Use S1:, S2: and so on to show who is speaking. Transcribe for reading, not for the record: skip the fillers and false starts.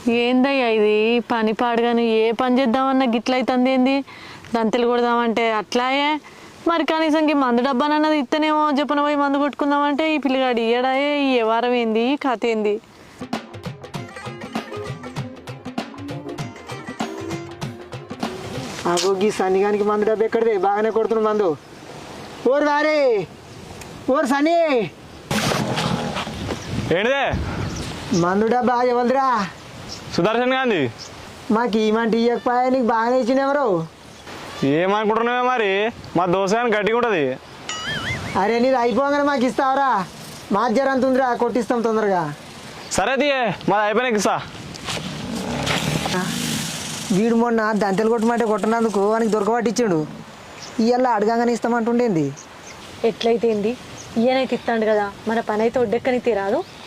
S1: ఏందయ్యా ఇది పని పాడుగాని ఏ పని చేద్దామన్నా గిట్లయితుంది ఏంది దంతెలు కొడదామంటే అట్లాయే మరి కనీసం మందు డబ్బానన్నది ఇత్తనేమో చెప్పన పోయి మందు కొట్టుకుందామంటే ఈ పిల్లగాడు ఇయ్యడాయే ఈ వ్యవహారం ఏంది కథ ఏంది
S2: గీ సన్నిగానికి మందు డబ్బు ఎక్కడిది బాగానే కొడుతున్నా మందు ఓరు వారే ఓరు సన్నీ
S3: ఏంటిదే
S2: మందు డబ్బా ఎవరిదిరా
S3: సుదర్శన్ గాంధీ
S2: మాకు ఈమంటే ఇయ్యకపోయా నీకు బాగానే ఇచ్చిన ఎవరు
S3: ఏమనుకుంటున్నావే మరి మా దోశ కానీ గట్టిగా ఉంటుంది
S2: అరే నీది అయిపోగానే మాకు ఇస్తావరా మా జ్వరం అంత ఉందిరా కొట్టిస్తాం తొందరగా
S3: సరే తీయే మాది అయిపోయినాక ఇస్తా
S2: వీడు మొన్న దంతెలు కొట్టమంటే కొట్టనందుకు వానికి దొరకబట్టించాడు ఇవాళ అడగగానే ఇస్తామంటుండేంది
S1: ఎట్లయితే ఏంది ఈయనైతే ఇస్తాడు కదా మన పని అయితే ఒడ్డెక్కని తీరాదు